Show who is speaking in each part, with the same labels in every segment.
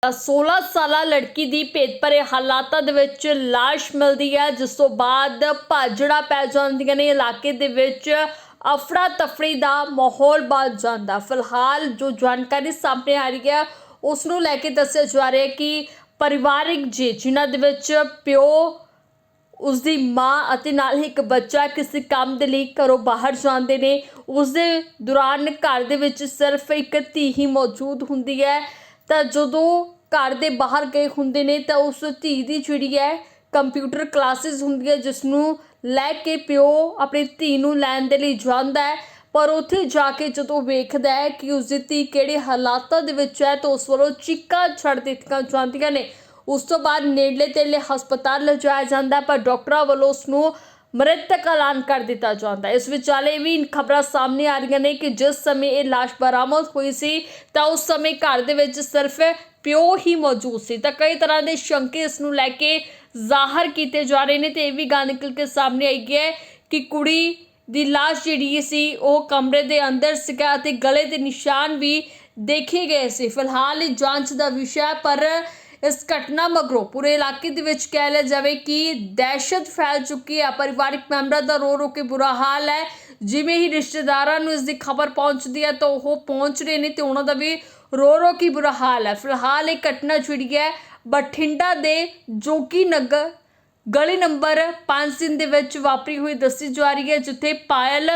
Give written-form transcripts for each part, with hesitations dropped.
Speaker 1: 16 ਸਾਲਾ लड़की ਦੀ ਭੇਤ ਭਰੇ ਹਾਲਾਤਾਂ ਦੇ ਵਿੱਚ ਲਾਸ਼ ਮਿਲਦੀ ਹੈ, ਜਿਸ ਤੋਂ ਬਾਅਦ ਭਾਜੜਾ ਪੈ ਜਾਂਦੀਆਂ ਨੇ। ਇਲਾਕੇ ਦੇ ਵਿੱਚ ਅਫੜਾ ਤਫੜੀ ਦਾ ਮਾਹੌਲ ਬਣ ਜਾਂਦਾ। ਫਿਲਹਾਲ ਜੋ ਜਾਣਕਾਰੀ ਸਾਹਮਣੇ ਆ ਰਹੀ ਹੈ ਉਸ ਨੂੰ ਲੈ ਕੇ ਦੱਸਿਆ ਜਾ ਰਿਹਾ ਹੈ ਕਿ ਪਰਿਵਾਰਿਕ ਜੀ ਜਿਨ੍ਹਾਂ ਦੇ ਵਿੱਚ ਪਿਓ, ਉਸਦੀ ਮਾਂ ਅਤੇ ਨਾਲ ਹੀ ਇੱਕ ਬੱਚਾ ਕਿਸੇ ਕੰਮ ਦੇ ਲਈ ਘਰੋਂ ਬਾਹਰ ਜਾਂਦੇ ਨੇ। ਉਸ ਦੇ ਦੌਰਾਨ ਘਰ ਦੇ ਵਿੱਚ ਸਿਰਫ ਇੱਕ ਧੀ ਹੀ ਮੌਜੂਦ ਹੁੰਦੀ ਹੈ। ਤਾਂ ਜਦੋਂ ਘਰ ਦੇ ਬਾਹਰ ਗਏ ਹੁੰਦੇ ਨੇ ਤਾਂ ਉਸ ਧੀ ਦੀ ਜਿਹੜੀ ਹੈ ਕੰਪਿਊਟਰ ਕਲਾਸਿਸ ਹੁੰਦੀ ਹੈ, ਜਿਸ ਨੂੰ ਲੈ ਕੇ ਪਿਓ ਆਪਣੀ ਧੀ ਨੂੰ ਲੈਣ ਦੇ ਲਈ ਜਾਂਦਾ ਹੈ। ਪਰ ਉੱਥੇ ਜਾ ਕੇ ਜਦੋਂ ਵੇਖਦਾ ਹੈ ਕਿ ਉਸ ਦੀ ਧੀ ਕਿਹੜੇ ਹਾਲਾਤਾਂ ਦੇ ਵਿੱਚ ਹੈ ਤਾਂ ਉਸ ਵੱਲੋਂ ਚੀਕਾਂ ਛੱਡ ਦਿੱਤੀਆਂ ਜਾਂਦੀਆਂ ਨੇ। ਉਸ ਤੋਂ ਬਾਅਦ ਨੇੜਲੇ ਤੇੜਲੇ ਹਸਪਤਾਲ ਲਿਜਾਇਆ ਜਾਂਦਾ, ਪਰ ਡਾਕਟਰਾਂ ਵੱਲੋਂ ਉਸ ਨੂੰ ਮ੍ਰਿਤਕ ਐਲਾਨ ਕਰ ਦਿੱਤਾ ਜਾਂਦਾ। ਇਸ ਵਿਚਾਲੇ ਵੀ ਖਬਰਾਂ ਸਾਹਮਣੇ ਆ ਰਹੀਆਂ ਨੇ ਕਿ ਜਿਸ ਸਮੇਂ ਇਹ ਲਾਸ਼ ਬਰਾਮਦ ਹੋਈ ਸੀ ਤਾਂ ਉਸ ਸਮੇਂ ਘਰ ਦੇ ਵਿੱਚ ਸਿਰਫ ਪਿਓ ਹੀ ਮੌਜੂਦ ਸੀ। ਤਾਂ ਕਈ ਤਰ੍ਹਾਂ ਦੇ ਸ਼ੰਕੇ ਇਸ ਨੂੰ ਲੈ ਕੇ ਜ਼ਾਹਰ ਕੀਤੇ ਜਾ ਰਹੇ ਨੇ ਤੇ ਇਹ ਵੀ ਗੱਲ ਨਿਕਲ ਕੇ ਸਾਹਮਣੇ ਆਈ ਹੈ ਕਿ ਕੁੜੀ ਦੀ ਲਾਸ਼ ਜਿਹੜੀ ਸੀ ਉਹ ਕਮਰੇ ਦੇ ਅੰਦਰ ਸੀਗਾ ਅਤੇ ਗਲੇ ਦੇ ਨਿਸ਼ਾਨ ਵੀ ਦੇਖੇ ਗਏ ਸੀ। ਫਿਲਹਾਲ ਇਹ ਜਾਂਚ ਦਾ ਵਿਸ਼ਾ ਹੈ, ਪਰ ਇਸ ਘਟਨਾ ਮਗਰੋਂ ਪੂਰੇ ਇਲਾਕੇ ਦੇ ਵਿੱਚ ਕਹਿ ਲਿਆ ਜਾਵੇ ਕਿ ਦਹਿਸ਼ਤ ਫੈਲ ਚੁੱਕੀ ਹੈ। ਪਰਿਵਾਰਿਕ ਮੈਂਬਰਾਂ ਦਾ ਰੋ ਰੋ ਕੇ ਬੁਰਾ ਹਾਲ ਹੈ। ਜਿਵੇਂ ਹੀ ਰਿਸ਼ਤੇਦਾਰਾਂ ਨੂੰ ਇਸ ਦੀ ਖਬਰ ਪਹੁੰਚਦੀ ਹੈ ਤਾਂ ਉਹ ਪਹੁੰਚ ਰਹੇ ਨੇ ਤੇ ਉਹਨਾਂ ਦਾ ਵੀ ਰੋ ਰੋ ਕੇ ਬੁਰਾ ਹਾਲ ਹੈ। ਫਿਲਹਾਲ ਇਹ ਘਟਨਾ ਜਿਹੜੀ ਹੈ ਬਠਿੰਡਾ ਦੇ ਜੋਗੀ ਨਗਰ ਗਲੀ ਨੰਬਰ 5 ਦੇ ਵਿੱਚ ਵਾਪਰੀ ਹੋਈ ਦੱਸੀ ਜਾ ਰਹੀ ਹੈ, ਜਿੱਥੇ ਪਾਇਲ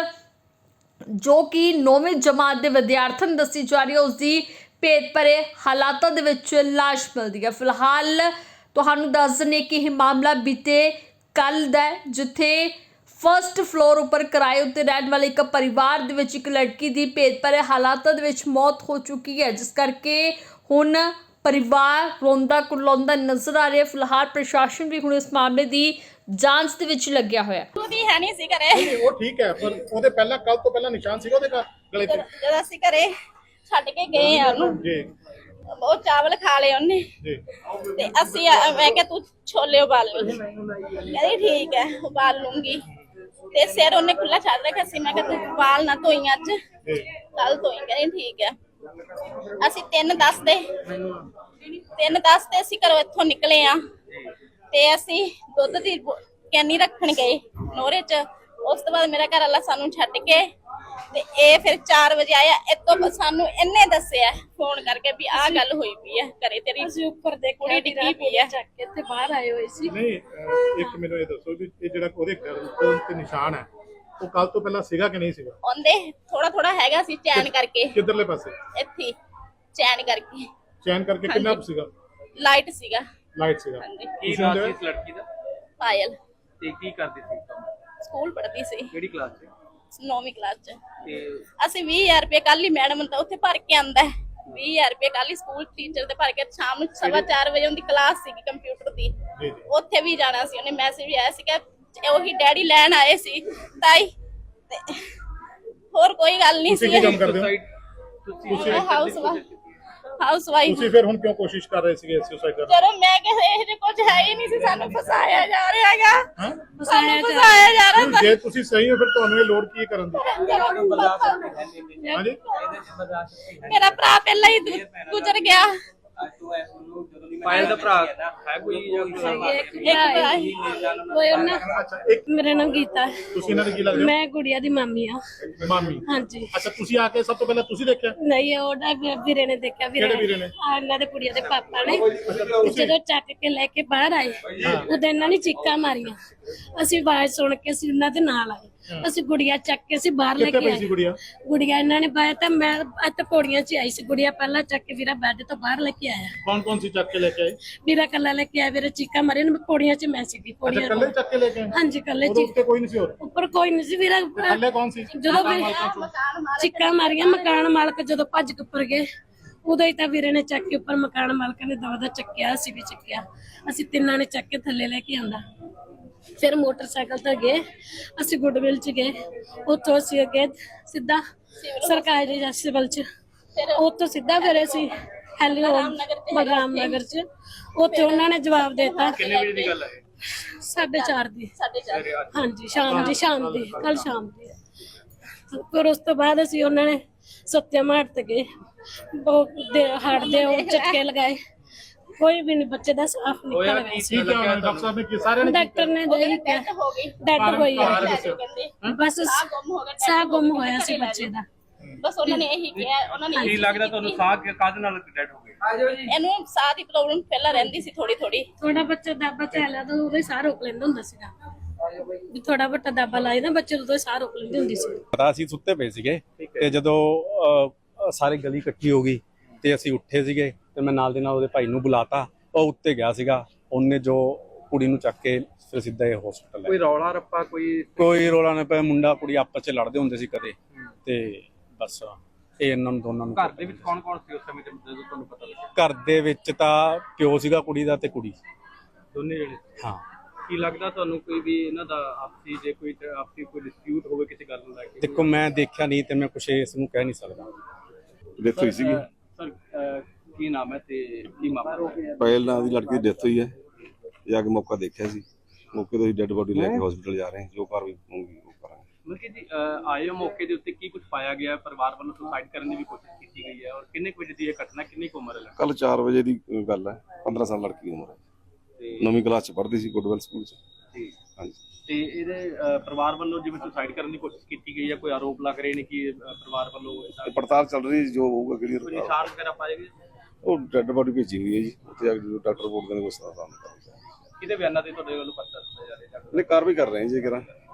Speaker 1: ਜੋ ਕਿ 9ਵੀਂ ਜਮਾਤ ਦੇ ਵਿਦਿਆਰਥਣ ਦੱਸੀ ਜਾ ਰਹੀ ਹੈ, ਉਸ ਦੀ ਭੇਤ ਭਰੇ ਹਾਲਾਤਾਂ ਦੇ ਵਿੱਚ ਲਾਸ਼ ਮਿਲਦੀ ਹੈ। ਫਿਲਹਾਲ ਤੁਹਾਨੂੰ ਦੱਸ ਦਿੰਦੇ ਕਿ ਇਹ ਮਾਮਲਾ ਬੀਤੇ ਕੱਲ ਦਾ ਹੈ, ਜਿੱਥੇ ਫਸਟ ਫਲੋਰ ਉੱਪਰ ਕਿਰਾਏ ਉੱਤੇ ਰਹਿਣ ਵਾਲੇ ਇੱਕ ਪਰਿਵਾਰ ਦੇ ਵਿੱਚ ਇੱਕ ਲੜਕੀ ਦੀ ਭੇਤ ਭਰੇ ਹਾਲਾਤਾਂ ਦੇ ਵਿੱਚ ਮੌਤ ਹੋ ਚੁੱਕੀ ਹੈ, ਜਿਸ ਕਰਕੇ ਹੁਣ ਪਰਿਵਾਰ ਰੋਂਦਾ ਕੁਰਲਾਉਂਦਾ ਨਜ਼ਰ ਆ ਰਿਹਾ। ਫਿਲਹਾਲ ਪ੍ਰਸ਼ਾਸਨ ਵੀ ਹੁਣ ਇਸ ਮਾਮਲੇ ਦੀ ਜਾਂਚ ਦੇ ਵਿੱਚ ਲੱਗਿਆ ਹੋਇਆ ਹੈ।
Speaker 2: ਉਹਦੀ ਹੈ ਨਹੀਂ ਸੀ ਘਰੇ।
Speaker 3: ਉਹ ਠੀਕ ਹੈ, ਪਰ ਉਹਦੇ ਪਹਿਲਾਂ ਕੱਲ ਤੋਂ ਪਹਿਲਾਂ ਨਿਸ਼ਾਨ ਸੀਗਾ ਉਹਦੇ ਗਲੇ ਤੇ।
Speaker 2: ਜਦੋਂ ਅਸੀਂ ਘਰੇ ਛੱਡ ਕੇ ਗਏ ਆ ਉਹਨੂੰ,
Speaker 3: ਜੀ
Speaker 2: ਉਹ ਚਾਵਲ ਖਾ ਲਏ ਉਹਨੇ
Speaker 3: ਜੀ।
Speaker 2: ਤੇ ਅਸੀਂ ਮੈਂ ਕਿਹਾ ਤੂੰ ਛੋਲੇ ਉਬਾਲ ਲਈ, ਕਹਿੰਦੀ ਠੀਕ ਹੈ ਉਬਾਲ ਲੂੰਗੀ। ਤੇ ਸਿਰ ਉਹਨੇ ਖੁੱਲਾ ਛੱਡ ਰੱਖਿਆ ਸੀ। ਮੈਂ ਕਿਹਾ ਤੂੰ ਉਬਾਲ ਨਾ ਧੋਈ ਅੱਜ, ਕੱਲ ਧੋਈ। ਕਹਿੰਦੀ ਠੀਕ ਹੈ। ਅਸੀਂ 3:10 ਤੇ ਅਸੀਂ ਘਰੋਂ ਇੱਥੋਂ ਨਿਕਲੇ ਆ ਤੇ ਅਸੀਂ ਦੁੱਧ ਦੀ ਕੈਨੀ ਰੱਖਣ ਗਏ ਨੋਰੇ ਚ। ਉਸ ਤੋਂ ਬਾਅਦ ਮੇਰਾ ਘਰ ਵਾਲਾ ਸਾਨੂੰ ਛੱਡ ਕੇ ਤੇ ਇਹ ਫਿਰ 4 ਵਜੇ ਆਇਆ। ਇਤੋਂ ਸਾਨੂੰ ਇਹਨੇ ਦੱਸਿਆ ਫੋਨ ਕਰਕੇ ਵੀ ਆਹ ਗੱਲ ਹੋਈ ਪਈ ਹੈ ਘਰੇ, ਤੇਰੀ ਅਸੀਂ ਉੱਪਰ ਕੁੜੀ ਡਿੱਗੀ ਪਈ ਹੈ। ਚੱਕ ਕੇ ਇੱਥੇ ਬਾਹਰ ਆਏ ਹੋਏ ਸੀ।
Speaker 3: ਨਹੀਂ, ਇੱਕ ਮੈਨੂੰ ਇਹ ਦੱਸੋ ਵੀ ਇਹ ਜਿਹੜਾ ਉਹਦੇ ਗਲੇ ਤੇ ਨਿਸ਼ਾਨ ਹੈ ਉਹ ਕੱਲ ਤੋਂ ਪਹਿਲਾਂ ਸੀਗਾ ਕਿ ਨਹੀਂ ਸੀਗਾ?
Speaker 2: ਉਹਦੇ ਥੋੜਾ ਥੋੜਾ ਹੈਗਾ ਸੀ, ਚੈਨ ਕਰਕੇ।
Speaker 3: ਕਿੱਧਰਲੇ ਪਾਸੇ?
Speaker 2: ਇੱਥੇ ਚੈਨ ਕਰਕੇ।
Speaker 3: ਚੈਨ ਕਰਕੇ ਕਿੰਨਾ ਸੀਗਾ?
Speaker 2: ਲਾਈਟ ਸੀਗਾ।
Speaker 3: ਲਾਈਟ ਸੀਗਾ।
Speaker 4: ਕੀ ਨਾਮ ਸੀ ਇਸ ਲੜਕੀ ਦਾ?
Speaker 2: ਪਾਇਲ।
Speaker 4: ਤੇ ਕੀ ਕਰਦੀ ਸੀ?
Speaker 2: ਸਕੂਲ ਪੜ੍ਹਦੀ ਸੀ।
Speaker 4: ਕਿਹੜੀ ਕਲਾਸ 'ਚ?
Speaker 2: 9ਵੀਂ ਕਲਾਸ ਚ।
Speaker 4: ਤੇ
Speaker 2: ਅਸੀਂ 20000 ਰੁਪਏ ਕੱਲ ਹੀ ਮੈਡਮ ਤਾਂ ਉੱਥੇ ਭਰ ਕੇ ਆਂਦਾ ਹੈ। 20000 ਰੁਪਏ ਕੱਲ ਹੀ ਸਕੂਲ ਟੀਚਰ ਦੇ ਭਰ ਕੇ ਸ਼ਾਮ ਨੂੰ 4:15 ਵਜੇ ਉਹਦੀ ਕਲਾਸ ਸੀਗੀ ਕੰਪਿਊਟਰ ਦੀ,
Speaker 3: ਜੀ।
Speaker 2: ਉੱਥੇ ਵੀ ਜਾਣਾ ਸੀ। ਉਹਨੇ ਮੈਸੇਜ ਵੀ ਆਇਆ ਸੀ ਕਿ ਉਹੀ ਡੈਡੀ ਲੈਣ ਆਏ ਸੀ ਤਾਈ। ਤੇ ਹੋਰ ਕੋਈ ਗੱਲ ਨਹੀਂ ਸੀ।
Speaker 3: ਤੁਸੀਂ ਕੀ ਕੰਮ ਕਰਦੇ ਹੋ?
Speaker 4: ਤੁਸੀਂ
Speaker 2: ਹਾਊਸ ਵਾਈਫ।
Speaker 3: ਤੁਸੀਂ ਫਿਰ ਹੁਣ ਕਿਉਂ ਕੋਸ਼ਿਸ਼ ਕਰ ਰਹੇ ਸੀਗੇ ਸੁਸਾਈਡ ਕਰਨ ਦੀ?
Speaker 2: ਚਲੋ ਮੈਂ ਕਿਹਾ ਇਹ ਜੇ ਕੁਝ ਹੈ ਹੀ ਨਹੀਂ ਸੀ, ਸਾਨੂੰ ਫਸਾਇਆ ਜਾ ਰਿਹਾ ਹੈਗਾ।
Speaker 3: ਹਾਂ,
Speaker 2: ਸਾਨੂੰ ਫਸਾਇਆ ਜਾ ਰਿਹਾ।
Speaker 3: ਜੇ ਤੁਸੀਂ ਸਹੀ ਹੋ ਫਿਰ ਤੁਹਾਨੂੰ ਇਹ ਲੋੜ ਕੀ ਕਰਨ ਦੀ? ਹਾਂਜੀ,
Speaker 2: ਮੇਰਾ ਭਰਾ ਪਹਿਲਾਂ ਹੀ ਗੁਜ਼ਰ ਗਿਆ।
Speaker 4: ਪਾਇਲ ਦਾ ਭਰਾ ਹੈ ਕੋਈ?
Speaker 5: ਮੇਰਾ ਨਾਮ ਗੀਤਾ ਹੈ।
Speaker 3: ਤੁਸੀਂ ਇਹਨਾਂ ਦੇ ਕੀ ਲੱਗਦੇ ਹੋ?
Speaker 5: ਮੈਂ ਗੁੜੀਆ ਦੀ ਮਾਮੀ ਆ।
Speaker 3: ਮਾਮੀ।
Speaker 5: ਹਾਂਜੀ।
Speaker 3: ਅੱਛਾ, ਤੁਸੀਂ ਆ ਕੇ ਸਭ ਤੋਂ ਪਹਿਲਾਂ ਤੁਸੀਂ ਦੇਖਿਆ?
Speaker 5: ਨਹੀਂ, ਉਹਦਾ ਵੀਰੇ ਨੇ ਦੇਖਿਆ।
Speaker 3: ਕਿਹੜੇ ਵੀਰੇ ਨੇ?
Speaker 5: ਇਹਨਾਂ ਦੇ ਕੁੜੀਆਂ ਦੇ ਪਾਪਾ ਨੇ। ਜਦੋਂ ਚੱਕ ਕੇ ਲੈ ਕੇ ਬਾਹਰ ਆਏ ਉਦੋਂ ਇਹਨਾਂ ਨੇ ਚੀਕਾਂ ਮਾਰੀਆਂ। ਅਸੀਂ ਆਵਾਜ਼ ਸੁਣ ਕੇ ਅਸੀਂ ਉਹਨਾਂ ਦੇ ਨਾਲ ਆਏ। ਅਸੀਂ ਗੁੜੀਆ ਚੱਕ ਕੇ ਅਸੀਂ ਬਾਹਰ ਲੈ
Speaker 3: ਕਿੱਥੇ
Speaker 5: ਕੇ
Speaker 3: ਪਈ
Speaker 5: ਆਏ।
Speaker 3: ਸੀ ਗੁੜੀਆ?
Speaker 5: ਗੁੜੀਆ ਇਹਨਾਂ ਨੇ ਬਾਹਰ ਤਾਂ ਮੈਂ ਇੱਥੇ ਪੌੜੀਆਂ 'ਚ ਆਈ ਸੀ। ਗੁੜੀਆ ਪਹਿਲਾਂ ਚੱਕ ਕੇ ਵੀਰਾ ਬੈੱਡ ਤੋਂ ਬਾਹਰ ਲੈ ਕੇ ਆਇਆ।
Speaker 3: ਕੌਣ ਕੌਣ ਸੀ ਚੱਕ ਕੇ ਲੈ ਕੇ ਆਏ?
Speaker 5: ਵੀਰਾ ਕੱਲਾ ਲੈ ਕੇ ਆਇਆ। ਵੀਰੇ ਚੀਕਾਂ ਮਾਰੀਆਂ ਨੇ। ਪੌੜੀਆਂ 'ਚ ਮੈਂ ਸੀਗੀ।
Speaker 3: ਅੱਛਾ,
Speaker 5: ਪੌੜੀਆਂ
Speaker 3: ਕੱਲੇ ਚੱਕ ਕੇ ਲੈ ਕੇ ਆਏ?
Speaker 5: ਹਾਂਜੀ, ਕੱਲੇ
Speaker 3: ਉਹਦੇ ਉੱਤੇ ਕੋਈ ਨਹੀਂ ਸੀ ਹੋਰ?
Speaker 5: ਉੱਪਰ ਕੋਈ ਨਹੀਂ ਸੀ ਵੀਰਾ।
Speaker 3: ਥੱਲੇ ਕੌਣ ਸੀ?
Speaker 5: ਜਦੋਂ ਵੀ ਚੀਕਾਂ ਮਾਰੀਆਂ ਮਕਾਨ ਮਾਲਕ ਜਦੋਂ ਭੱਜ ਕੇ ਉੱਪਰ ਗਏ ਉਦੋਂ ਹੀ ਤਾਂ ਵੀਰੇ ਨੇ ਚੱਕ ਕੇ ਉੱਪਰ ਮਕਾਨ ਮਾਲਕ ਨੇ ਦਵਾ ਦਾ ਚੱਕਿਆ। ਅਸੀਂ ਵੀ ਚੱਕਿਆ। ਅਸੀਂ ਤਿੰਨਾਂ ਨੇ ਚੱਕ ਕੇ ਥੱਲੇ ਲੈ ਕੇ ਆਂਦਾ। ਫਿਰ ਮੋਟਰਸਾਈਕਲ ਤੇ ਗਏ ਅਸੀਂ ਗੁੱਡਵਿਲ ਚ ਗਏ। ਉੱਥੋਂ ਅਸੀਂ ਅੱਗੇ ਸਿੱਧਾ ਸਰਕਾਰੀ ਸਿਵਲ ਚ, ਉੱਥੋਂ ਸਿੱਧਾ ਫਿਰ ਅਸੀਂ ਬਲਰਾਮ ਨਗਰ ਚ। ਉੱਥੇ ਉਹਨਾਂ ਨੇ ਜਵਾਬ ਦੇਤਾ।
Speaker 4: ਕਿੰਨੇ ਵਜੇ ਦੀ ਗੱਲ ਹੈ?
Speaker 5: 4:30 ਦੀ। ਹਾਂਜੀ, ਸ਼ਾਮ ਦੀ ਕੱਲ ਸ਼ਾਮ ਦੀ। ਫਿਰ ਉਸ ਤੋਂ ਬਾਅਦ ਅਸੀਂ ਉਹਨਾਂ ਨੇ ਸੱਤਿਆ ਮਾਰ ਤੇ ਗਏ। ਉਹ ਹਾੜ ਦੇ ਉਹ ਝਟਕੇ ਲਗਾਏ। ਕੋਈ ਵੀ ਨਹੀਂ, ਬੱਚੇ ਦਾ ਸਾਫ
Speaker 4: ਹੋਇਆ
Speaker 5: ਨਿਕਲ ਗਿਆ
Speaker 4: ਕੀ
Speaker 5: ਸੀ।
Speaker 3: ਕੀ ਕਿਹਾ ਉਹਨਾਂ ਡਾਕਟਰ ਸਾਹਿਬ ਨੇ ਕੀ ਸਾਰਿਆਂ ਨੇ
Speaker 5: ਡਾਕਟਰ ਨੇ ਦੇ
Speaker 2: ਡੈਥ ਹੋ ਗਈ
Speaker 5: ਡੈਡ ਹੋਈ
Speaker 3: ਕਾਰਨ
Speaker 5: ਹੈ,
Speaker 3: ਦੱਸਿਓ।
Speaker 2: ਕਹਿੰਦੇ
Speaker 5: ਬਸ
Speaker 2: ਗੁੰਮ ਹੋ ਗਿਆ
Speaker 5: ਸਾਹ ਗੁੰਮ ਹੋਇਆ ਸੀ ਬੱਚੇ ਦਾ।
Speaker 2: ਬਸ ਉਹਨਾਂ ਨੇ ਇਹੀ ਕਿਹਾ, ਉਹਨਾਂ ਨੇ
Speaker 4: ਕੀ
Speaker 2: ਇਹੀ
Speaker 4: ਲੱਗਦਾ ਤੁਹਾਨੂੰ ਸਾਹ ਕਾਹਦੇ ਨਾਲ ਡੈਡ ਹੋ ਗਏ?
Speaker 2: ਇਹਨੂੰ ਸਾਹ ਦੀ ਪ੍ਰੋਬਲਮ ਪਹਿਲਾਂ ਰਹਿੰਦੀ ਸੀ ਥੋੜੀ ਥੋੜੀ।
Speaker 5: ਥੋੜਾ ਬੱਚਾ ਦਾਬਾ ਚੱਲਿਆ ਤਾਂ ਉਹਦੇ ਸਾਹ ਰੋਕ ਲੈਂਦਾ ਹੁੰਦਾ ਸੀਗਾ, ਵੀ ਥੋੜਾ ਵੱਟਾ ਦਾਬਾ ਲਾਈ ਨਾ ਬੱਚੇ ਤੋਂ ਸਾਹ ਰੋਕ ਲੈਂਦੀ ਹੁੰਦੀ ਸੀ।
Speaker 6: ਪਤਾ ਅਸੀਂ ਸੁੱਤੇ ਪਏ ਸੀਗੇ ਤੇ ਜਦੋਂ ਸਾਰੇ ਗਲੀ ਇਕੱਠੀ ਹੋ ਗਈ ਤੇ ਅਸੀਂ ਉੱਠੇ ਸੀਗੇ ਤੇ ਮੈਂ ਨਾਲ ਦੇ ਨਾਲ ਉਹਦੇ ਭਾਈ ਨੂੰ ਬੁਲਾਤਾ। ਉਹ ਉੱਤੇ ਗਿਆ ਸੀਗਾ, ਉਹਨੇ ਜੋ ਕੁੜੀ ਨੂੰ ਚੱਕ ਕੇ ਫਿਰ ਸਿੱਧਾ ਇਹ ਹਸਪੀਟਲ ਲੈ
Speaker 4: ਕੋਈ ਰੌਲਾ ਰੱਪਾ
Speaker 6: ਕੋਈ ਰੋਲਾ ਨਾ ਪਿਆ। ਮੁੰਡਾ ਕੁੜੀ ਆਪਸ ਚ ਲੜਦੇ ਹੁੰਦੇ ਸੀ ਕਦੇ ਤੇ ਬਸ ਇਹ ਇਹਨਾਂ ਨੂੰ ਦੋਨਾਂ ਨੂੰ
Speaker 4: ਘਰ ਦੇ ਵਿੱਚ ਕੌਣ ਕੌਣ ਸੀ ਉਸ ਸਮੇਂ ਤੇ ਜਦੋਂ ਤੁਹਾਨੂੰ ਪਤਾ ਲੱਗਿਆ?
Speaker 6: ਘਰ ਦੇ ਵਿੱਚ ਤਾਂ ਪਿਓ ਸੀਗਾ ਕੁੜੀ ਦਾ ਤੇ ਕੁੜੀ।
Speaker 4: ਦੋਨੇ ਜਣੇ।
Speaker 6: ਹਾਂ
Speaker 4: ਕੀ ਲੱਗਦਾ ਤੁਹਾਨੂੰ ਕੋਈ ਵੀ ਇਹਨਾਂ ਦਾ ਆਪਸੀ ਜੇ ਕੋਈ ਆਪਸੀ ਕੋਈ ਡਿਸਪਿਊਟ ਹੋਵੇ ਕਿਸੇ ਗੱਲ ਨੂੰ ਲੈ ਕੇ?
Speaker 6: ਦੇਖੋ ਮੈਂ ਦੇਖਿਆ ਨਹੀਂ ਤੇ ਮੈਂ ਕੁਛ ਇਸ ਨੂੰ ਕਹਿ ਨਹੀਂ ਸਕਦਾ।
Speaker 7: ਡੈਥ ਹੋਈ ਸੀਗੀ।
Speaker 4: ਸਰ ਕੀ ਨਾਮ ਹੈ ਤੇ ਕੀ ਮਾਮਲਾ?
Speaker 7: ਪਹਿਲ ਨਾਂ ਦੀ ਲੜਕੀ ਦੀ ਡੈਥ ਹੋਈ ਹੈ। ਜਾ ਕੇ ਮੌਕਾ ਦੇਖਿਆ ਸੀ, ਮੌਕੇ ਤੋਂ ਹੀ ਡੈੱਡ ਬੋਡੀ ਲੈ ਕੇ ਹਸਪੀਟਲ ਜਾ ਰਹੇ ਹਾਂ। ਜੋ ਕਾਰਵਾਈ ਹੋਊਗੀ ਉਹ ਕਰਾਂਗੇ।
Speaker 4: ਮਤਲਬ ਕਿ ਜੀ ਆਏ ਹੋ ਮੌਕੇ ਦੇ ਉੱਤੇ ਕੀ ਕੁਝ ਪਾਇਆ ਗਿਆ? ਪਰਿਵਾਰ ਵੱਲੋਂ ਸੁਸਾਈਡ ਕਰਨ ਦੀ ਵੀ ਕੋਸ਼ਿਸ਼ ਕੀਤੀ ਗਈ ਹੈ ਔਰ ਕਿੰਨੇ ਕੁ ਵਜੇ ਦੀ ਇਹ ਘਟਨਾ, ਕਿੰਨੀ ਕੁ ਉਮਰ ਹੈ?
Speaker 7: ਕੱਲ 4 ਵਜੇ ਦੀ ਗੱਲ ਹੈ। 15 ਸਾਲ ਲੜਕੀ ਦੀ ਉਮਰ ਹੈ।
Speaker 4: ਤੇ
Speaker 7: 9ਵੀਂ ਕਲਾਸ ਚ ਪੜ੍ਹਦੀ ਸੀ ਗੁੱਡਵੈਲ ਸਕੂਲ ਚ।
Speaker 4: ਜੀ।
Speaker 7: ਹਾਂਜੀ।
Speaker 4: ਤੇ ਇਹਦੇ ਪਰਿਵਾਰ ਵੱਲੋਂ ਜਿਵੇਂ ਸੁਸਾਈਡ ਕਰਨ ਦੀ ਕੋਸ਼ਿਸ਼ ਕੀਤੀ ਗਈ ਹੈ, ਕੋਈ ਆਰੋਪ ਲੱਗ ਰਹੇ ਨੇ ਕਿ ਪਰਿਵਾਰ ਵੱਲੋਂ
Speaker 7: ਤੇ ਪੜਤਾਲ ਚੱਲ ਰਹੀ ਹੈ, ਜੋ ਹੋਊਗਾ
Speaker 4: ਕੋਈ
Speaker 7: ਕਲੀਅਰ
Speaker 4: ਨਿਸ਼ਾਨ ਵਗੈਰਾ ਪਾਏ ਗਏ?
Speaker 7: ਉਹ ਡੈੱਡ ਬੋਡੀ ਭੇਜੀ ਹੋਈ ਹੈ ਜੀ। ਉੱਥੇ ਜਾ ਕੇ ਜਦੋਂ ਡਾਕਟਰ ਰਿਪੋਰਟ ਦੇਣਗੇ ਉਸ ਦਾ ਸਾਹਮਣੇ ਕਰਾਂਗੇ।
Speaker 4: ਕਿਹਦੇ ਬਿਆਨਾਂ ਤੇ ਤੁਹਾਡੇ ਵੱਲੋਂ ਪਰਚਾ ਦਿੱਤਾ ਜਾ ਰਿਹਾ?
Speaker 7: ਨਹੀਂ, ਕਾਰਵਾਈ ਕਰ ਰਹੇ ਹਾਂ ਜੀ ਕਰਾਂ।